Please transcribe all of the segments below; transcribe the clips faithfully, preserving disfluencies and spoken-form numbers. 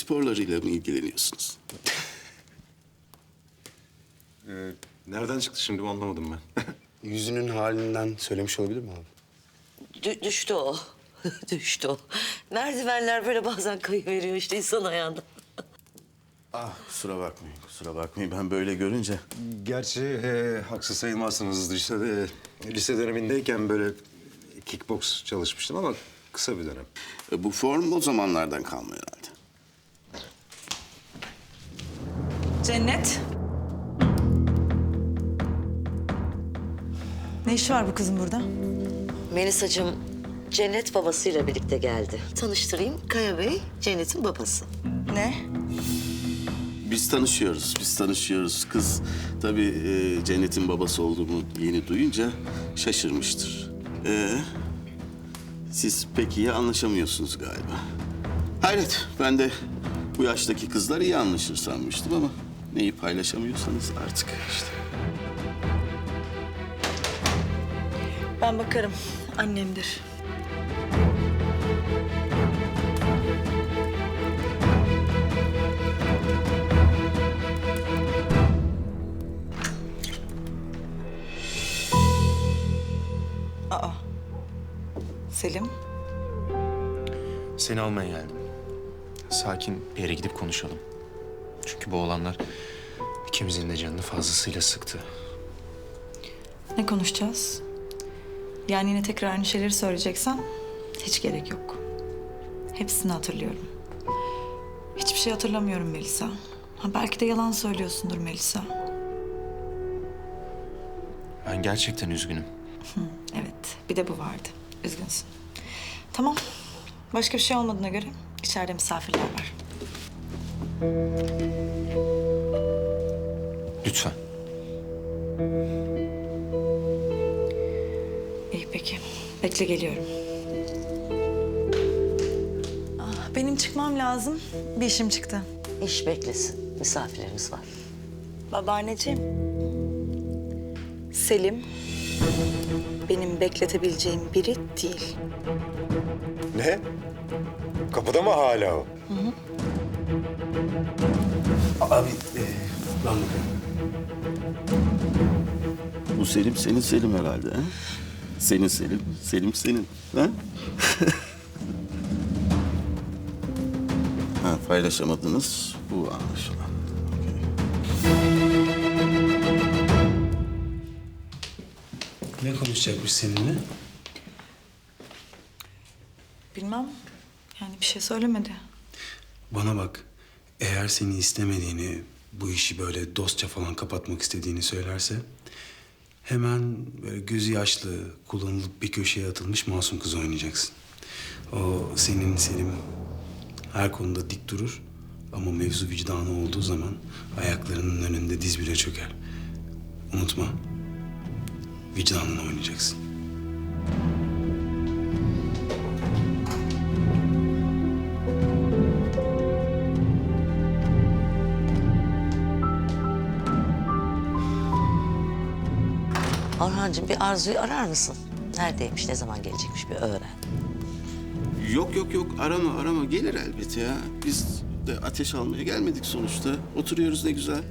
sporlarıyla mı ilgileniyorsunuz? Ee, nereden çıktı şimdi bu anlamadım ben. Yüzünün halinden söylemiş olabilir mi abi? Dü- düştü o. Düştü o. Merdivenler böyle bazen kayıveriyor işte insan ayağında. Ah kusura bakmayın, kusura bakmayın. Ben böyle görünce... Gerçi e, haksız sayılmazsınız. Lisede, lise dönemindeyken böyle kickbox çalışmıştım ama kısa bir dönem. E, bu form o zamanlardan kalma herhalde. Cennet. Ne işi var bu kızın burada? Melisa'cığım Cennet babasıyla birlikte geldi. Tanıştırayım, Kaya Bey Cennet'in babası. Ne? Biz tanışıyoruz, biz tanışıyoruz. Kız tabii e, Cennet'in babası olduğumu yeni duyunca şaşırmıştır. Ee, siz pek iyi anlaşamıyorsunuz galiba. Hayret, ben de bu yaştaki kızlar iyi anlaşır sanmıştım ama... ...neyi paylaşamıyorsanız artık işte. Ben bakarım. Annemdir. Aa. Selim. Seni almaya geldim. Sakin bir yere gidip konuşalım. Çünkü bu olanlar ikimizin de canını fazlasıyla sıktı. Ne konuşacağız? Yani yine tekrar aynı şeyleri söyleyeceksen hiç gerek yok. Hepsini hatırlıyorum. Hiçbir şey hatırlamıyorum Melisa. Ha, belki de yalan söylüyorsundur Melisa. Ben gerçekten üzgünüm. Hı, evet, bir de bu vardı. Üzgünsün. Tamam. Başka bir şey olmadığına göre içeride misafirler var. Lütfen. İyi peki. Bekle geliyorum. Ah, benim çıkmam lazım. Bir işim çıktı. İş beklesin, misafirlerimiz var. Babaanneciğim. Selim benim bekletebileceğim biri değil. Ne? Kapıda mı hala o? Abi e, ben bakarım. Bu Selim senin Selim herhalde ha? Senin Selim, Selim senin. Ha? ha paylaşamadınız bu anlaşılan. Ne konuşacakmış seninle? Bilmem. Yani bir şey söylemedi. Bana bak, eğer seni istemediğini, bu işi böyle dostça falan kapatmak istediğini söylerse... ...hemen böyle gözü yaşlı, kullanılıp bir köşeye atılmış masum kız oynayacaksın. O senin Selim her konuda dik durur ama mevzu vicdanı olduğu zaman ayaklarının önünde diz bile çöker. Unutma, vicdanını oynayacaksın. Orhancığım bir Arzu'yu arar mısın? Neredeymiş, ne zaman gelecekmiş bir öğren. Yok yok yok arama arama gelir elbet ya. Biz de ateş almaya gelmedik sonuçta. Oturuyoruz ne güzel.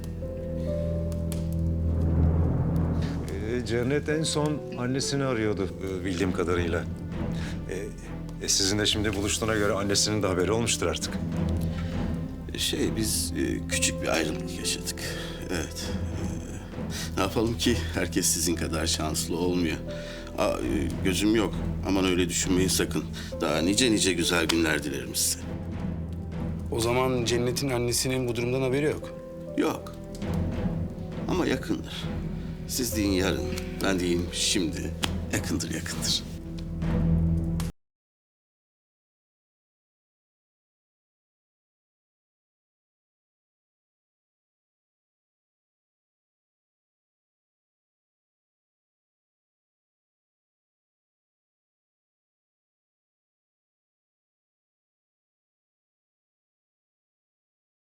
Ee, Cennet en son annesini arıyordu e, bildiğim kadarıyla. E, e, sizin de şimdi buluştuğuna göre annesinin de haberi olmuştur artık. Şey biz e, küçük bir ayrılık yaşadık. Evet. E, ne yapalım ki herkes sizin kadar şanslı olmuyor. Aa, e, gözüm yok. Aman öyle düşünmeyin sakın. Daha nice nice güzel günler dilerim size. O zaman Cennet'in annesinin bu durumdan haberi yok. Yok. Ama yakındır. Siz deyin yarın, ben diyeyim şimdi. Yakındır yakındır.